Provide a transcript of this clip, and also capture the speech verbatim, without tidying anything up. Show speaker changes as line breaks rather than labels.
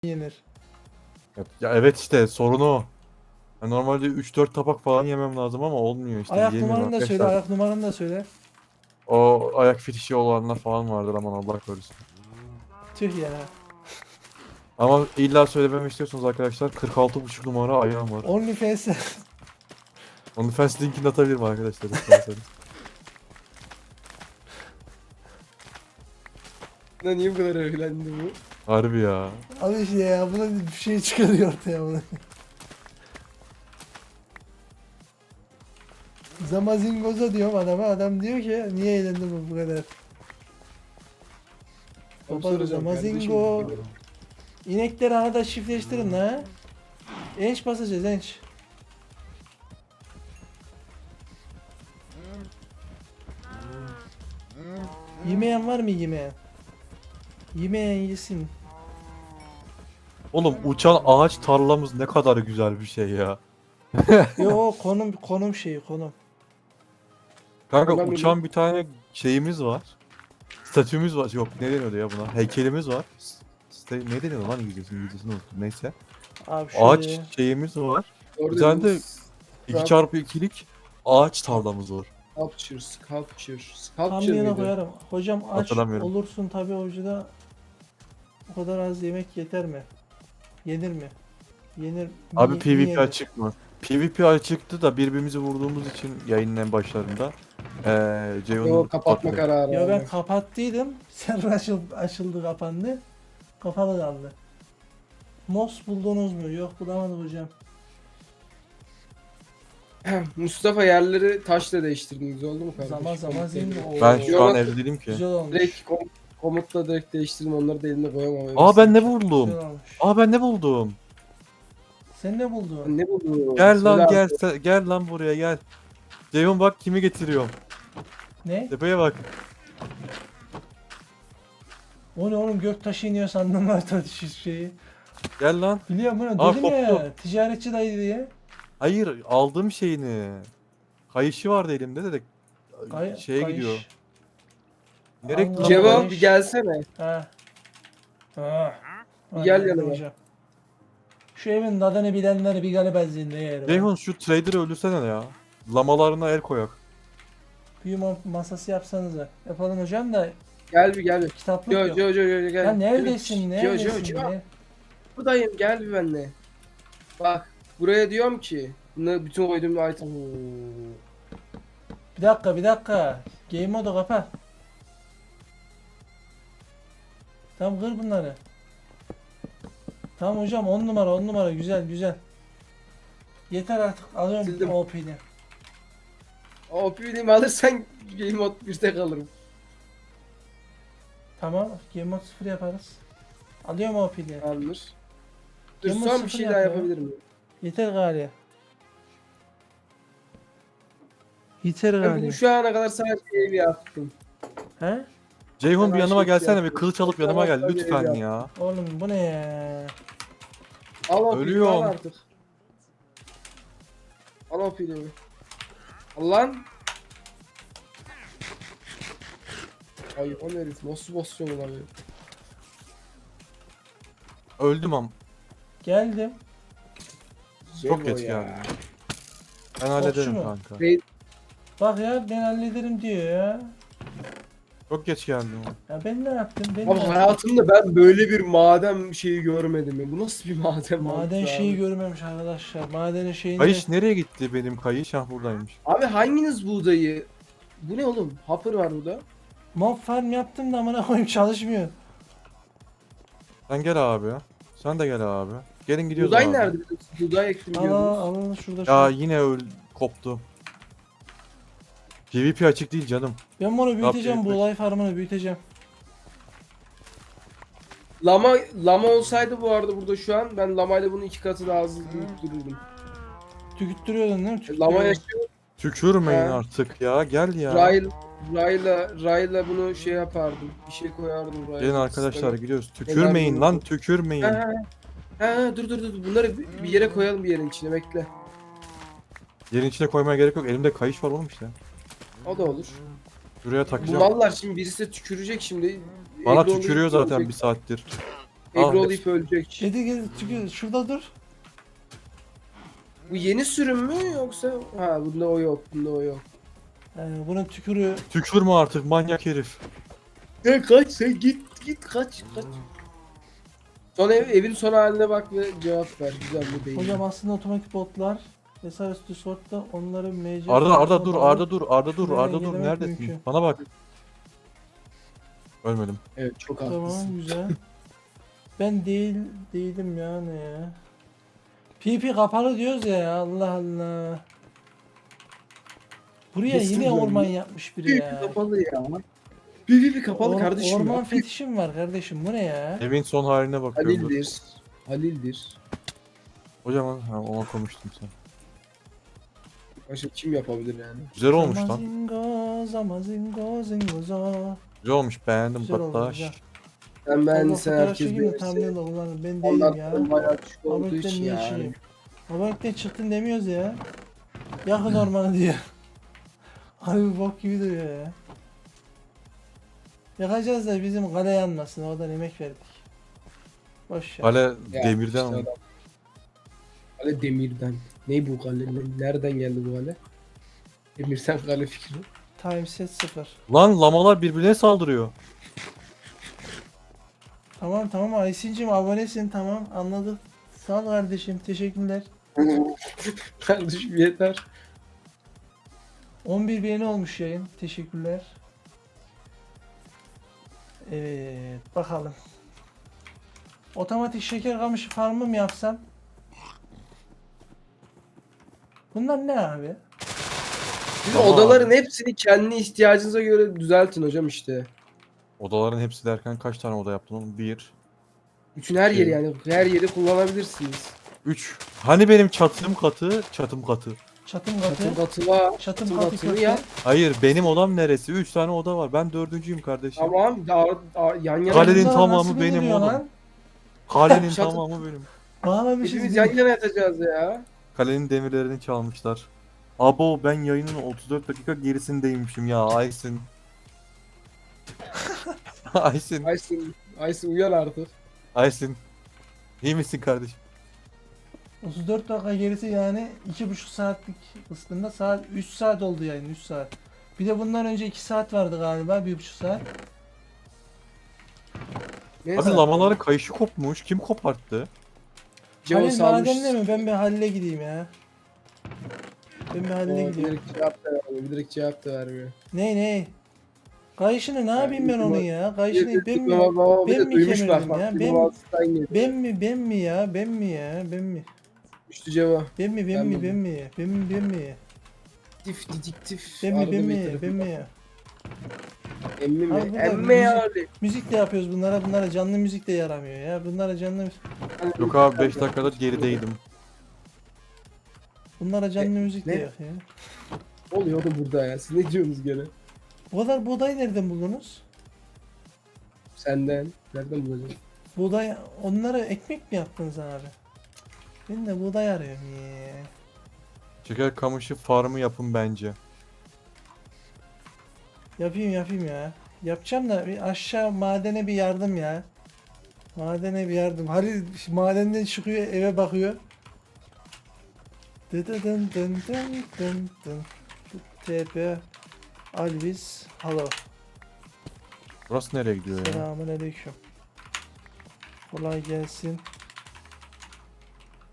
yenir.
Ya, ya evet işte sorun o. Ya normalde üç dört tabak falan yemem lazım ama olmuyor işte.
Ayak
Yiyemiyorum
numaranı da söyle,
arkadaşlar.
ayak numaranı da söyle.
O ayak fetişi olanlar falan vardır aman Allah korusun.
Tüh ya.
Ama illa söylememi istiyorsunuz arkadaşlar. kırk altı buçuk numara ayağım var.
OnlyFans.
OnlyFans linkini atabilirim arkadaşlar isterseniz.
Lan niye bu kadar övülendi bu?
Harbi ya.
Abi işte ya, buna bir şey çıkarıyor ortaya bunu. Zamazingoza diyorum adama, adam diyor ki niye eğlendin bu bu kadar?
Onu
Baba
soracağım
Zamazingo.
kardeşim.
İnekleri arada çiftleştirin la. Enç basacağız enç. Yemeyen var mı yemeyen? Yemeyen yesin.
Oğlum uçan ağaç tarlamız ne kadar güzel bir şey ya.
Yo, konum konum şeyi konum.
Kanka
Ben
uçan bir tane şeyimiz var. Statümüz var. Yok ne deniyordu ya buna? Heykelimiz var. Sta ne deniyordu lan İngilizcesini? İngilizcesini unuttum. Neyse.
Abi
Ağaç
şöyle.
şeyimiz var.
Orada
Bir tane de iki
Trump-
çarpı ikilik ağaç tarlamız var.
Sculpture, sculpture,
Tam
sculpture
yana
mıydı?
koyarım. Hocam aç
Hatırlamıyorum.
olursun tabi avucuda. O kadar az yemek yeter mi? Yenir mi? Yenir mi?
Abi
mi
PvP
yenir?
açık mı? PvP açıktı da birbirimizi vurduğumuz için yayının en başlarında eee
Yo,
Ceyhun'u
kapatma
patladı.
kararı.
Ya ben
aldım.
kapattıydım. Server açıldı, açıldı kapandı. Kapalı kaldı. Mos buldunuz mu? Yok, bulamadık hocam.
Mustafa yerleri taşla değiştirdiniz oldu mu kardeşim?
Zaman zaman zengin. Oo,
Ben şu
Yok,
an
bak-
evde değilim ki.
Güzel olmuş.
Direkt kom komutla direkt değiştirdim, onları da eline koyamam.
Aa ben ne
Güzel
buldum?
olmuş.
Aa ben ne buldum?
Sen ne buldun?
Ne buldun?
Gel
Söyle
lan
abi.
gel se- gel lan buraya gel. Ceyhun bak kimi getiriyorum.
Ne?
Tepeye bak.
O ne oğlum, göktaşı iniyor sandım orta şeyi.
Gel lan.
Biliyorum bunu,
Aa,
dedim ya.
koptu.
Ticaretçi dayı diye.
Hayır aldığım şeyini. Kayışı vardı elimde de, de
Kay-
şeye
kayış.
gidiyor. Nereye gitti lan bu
Cevap
kayış?
bir gelsene.
Ha. Ha.
Bir gel
Aynen
yanıma.
hocam. Şu evin adını bilenleri bir galiba zinde yer.
Ceyhun şu trader'ı öldürsene ya. Lamalarına el koyak.
Büyü ma- masası yapsanıza. Yapalım hocam da
Gel bir gel bir.
kitaplık
Jo
yok.
jo jo jo gel.
Ya neredesin?
Jo jo
Neredesin?
jo.
Ne?
Buradayım, gel bir benimle. Bak buraya diyorum ki bunu bütün koyduğum item.
Bir dakika, bir dakika. Game modu kapa. Tamam, kır bunları. Tamam hocam, on numara on numara, güzel güzel. Yeter artık, alıyorum
Sildim.
O P'ni.
O P'liğimi alırsan game mode birde kalırım.
Tamam, game mode sıfır yaparız. Alıyorum O P'ni.
Alır. Dur
Game mode
son bir
sıfır
şey
yap
daha
ya.
yapabilir miyim?
Yeter gari. Yeter
Ben
gari.
bugün şu ana kadar sadece ev yaptım.
He?
Ceyhun
Ben
bir yanıma
şey
gelsene bir
yapıyorum.
kılıç alıp
Tamam,
yanıma gel
tabii
lütfen
ya.
ya.
Oğlum bu ne ya?
Al o
Ölüyorum.
P'liğimi al artık. Al o P'liğimi. Al lan. Ay o ne herif nasıl basıyor lan ya?
Öldüm am.
Geldim.
Çok
Zor
geç
ya.
geldim. Ben hallederim
mu?
kanka.
Bey-
Bak ya, ben hallederim diyor ya.
Çok geç geldim.
Ya ben ne yaptım? Ben
Abi
ne yaptım?
hayatımda ben böyle bir maden şeyi görmedim ya. Bu nasıl bir maden?
Maden
mantığı
şeyi
abi?
görmemiş arkadaşlar. Madenin şeyini...
Kayış nereye gitti benim kayış? Hah buradaymış.
Abi hanginiz buğdayı? Bu ne oğlum? Hopper var burada.
Mob farm yaptım da amına koyayım, çalışmıyor.
Sen gel abi. Sen de gel abi. Gelin gidiyoruz
Buğday
abi.
nerede? Buğday ektim
Al
diyordunuz.
al al şurada
Ya
şurada.
yine öl koptu. PvP açık değil canım.
Ben bunu büyüteceğim,
yapayım?
buğday farmını büyüteceğim.
Lama lama olsaydı bu arada burada şu an ben lamayla bunun iki katı daha hızlı büyüttürürdüm.
Tükürttürüyordun değil mi?
Lama
Tükürttürüyordun.
yaşıyor.
Tükürmeyin
Ha.
artık ya. Gel ya.
Rayla Rayla Rayla bunu şey yapardım. Bir şey koyardım Rayla.
Gelin arkadaşlar
Sisteme.
gidiyoruz. Tükürmeyin
bunu-
lan tükürmeyin.
Ha, ha, ha, ha, dur dur dur bunları bir bir yere koyalım bir yerin içine bekle.
Yerin içine koymaya gerek yok. Elimde kayış var oğlum işte.
O da olur.
Şuraya
Bu
takacağım.
mallar şimdi birisi de tükürecek şimdi.
Bana
Evde olduğu
tükürüyor
gibi
zaten
olacak.
bir saattir. Al.
Ebru olayıp ölecek.
Kedi gel çünkü şurada dur.
Bu yeni sürüm mü yoksa? Ha bunda o yok. Bunda o yok.
Ee, bunun tükürüğü
Tükürme artık manyak herif.
Sen kaç sen git git kaç kaç. Son ev, evin son haline bak ve cevap ver. Güzel bu değil.
hocam aslında otomatik botlar vesaire üstü sortta onları M C
Arda Arda dur
olarak-
Arda dur Arda dur
Şuraya
Arda dur
engellemek
neredesin?
mümkün.
Bana bak. Ölmedim.
Evet çok
Tamam
haklısın.
güzel. Ben değil değilim ya ne ya. P P kapalı diyoruz ya Allah Allah. Buraya
Kesin
yine
böyle.
orman yapmış biri
Büyük
ya.
kapalı ya. Bir bir bir kapalı
Or-
kardeşim.
Orman
ya.
fetişim var kardeşim bu ne ya?
Evin son haline bakıyorum. dur.
Halil'dir. Halil'dir.
Hocam ha, ona konuştum sen.
Başka kim yapabilir yani?
Güzel olmuş lan.
Zamazingo, zamazingo, zingozo.
Güzel olmuş beğendim
Güzel oldu,
hatta.
güzel.
Ben ben
Allah
sen
fotoğraf
herkes
çekeyim de
beğenirse.
thumbnail'da kullanırım. Ben
Onlar
değilim ya.
bayağı düşük olduğu
Abonelikten
için
niye
yani.
şeyim? Abonelikten çıktın demiyoruz ya. Yakın ormanı diyor. Abi bok gibi duruyor ya. Yakacağız da bizim kale yanmasın. Oradan emek verdik. Boş ver.
Kale
Ya,
demirden
işte
ama.
adam. Kale demirden. Ne bu kale? Nereden geldi bu kale? Demirden kale fikri.
Time set sıfır.
Lan lamalar birbirine saldırıyor.
Tamam tamam Aysin'cim abonesin tamam anladık. Sağ ol kardeşim teşekkürler.
Kardeşim yeter.
on bir beğeni olmuş yayın. Teşekkürler. Evet bakalım. Otomatik şeker kamışı farmı mı yapsam? Bunlar ne abi?
Siz
Tamam
odaların
abi.
hepsini kendi ihtiyacınıza göre düzeltin hocam işte.
Odaların hepsi derken kaç tane oda yaptın oğlum? Bir,
Bütün her yeri
Şey.
yani her yeri kullanabilirsiniz.
üç. Hani benim çatım katı, çatım katı.
Çatım
Çatım
katı.
katı var.
Çatım
Çatım
katı
katını
köfte.
yap.
Hayır benim odam neresi? Üç tane oda var. Ben dördüncüyüm kardeşim.
Tamam. Daha, daha yan yana.
Kalenin
Bunlar
tamamı
nasıl
benim
bulunuyor
oğlum.
lan?
Kalenin
Çatı-
tamamı benim.
Bağlamışız.
Hepimiz
biz.
yan yana yatacağız ya.
Kalenin demirlerini çalmışlar. Abo ben yayının otuz dört dakika gerisindeymişim ya Aysin. Aysin.
Aysin, Aysin uyan artık.
Aysin. İyi misin kardeşim?
otuz dört dakika gerisi yani iki buçuk saatlik kısmında saat üç saat oldu yayın üç saat. Bir de bundan önce iki saat vardı galiba bir buçuk saat.
Neyse.
Abi lamaların kayışı kopmuş. Kim koparttı?
Cevap
Halil
salmış.
madenle mi? Ben bir Halil'e gideyim ya. Ben bir Halil'e
Oo, bir
gideyim.
direkt cevap da vermiyor. Bir direkt cevap da vermiyor.
Ne ne? Kayışını ne yapayım ben onun ya? Kayışını ben mi?
Baba, baba, bir
ben
de
mi
duymuş
kemirdim
bak.
ya?
bak.
Ben-
Ben, ben,
Ben mi ben mi ya? Ben mi ya? Ben mi?
Düştü cevap.
Ben mi ben
Ben
mi
mi?
ben mi? Ben mi ben mi?
Tif didiktif.
Ben mi
Arada
ben
bir
mi?
tarafı-
Ben mi?
Emmi
Abi
mi?
burada
Emmi
müzik-
abi.
Müzik de yapıyoruz bunlara. Bunlara canlı müzik de yaramıyor ya. Bunlara canlı
Yok abi beş dakikadır gerideydim.
bunlara canlı müzik de
ne?
yok ya.
Ne oluyor da burada ya? Siz ne diyorsunuz gene?
Bu kadar buğday nereden buldunuz?
Senden. Nereden bulacağım?
Buğday onlara ekmek mi yaptınız abi? Ben de buğday arıyorum ya.
Şeker kamışı farmı yapın bence.
Yapayım yapayım ya. Yapacağım da bir aşağı madene bir yardım ya. Madene bir yardım. Halil madenden çıkıyor eve bakıyor. Dı dı dın dın dın dın dın. T P Alvis Halo.
Burası nereye gidiyor ya?
Selamun aleyküm. Kolay gelsin.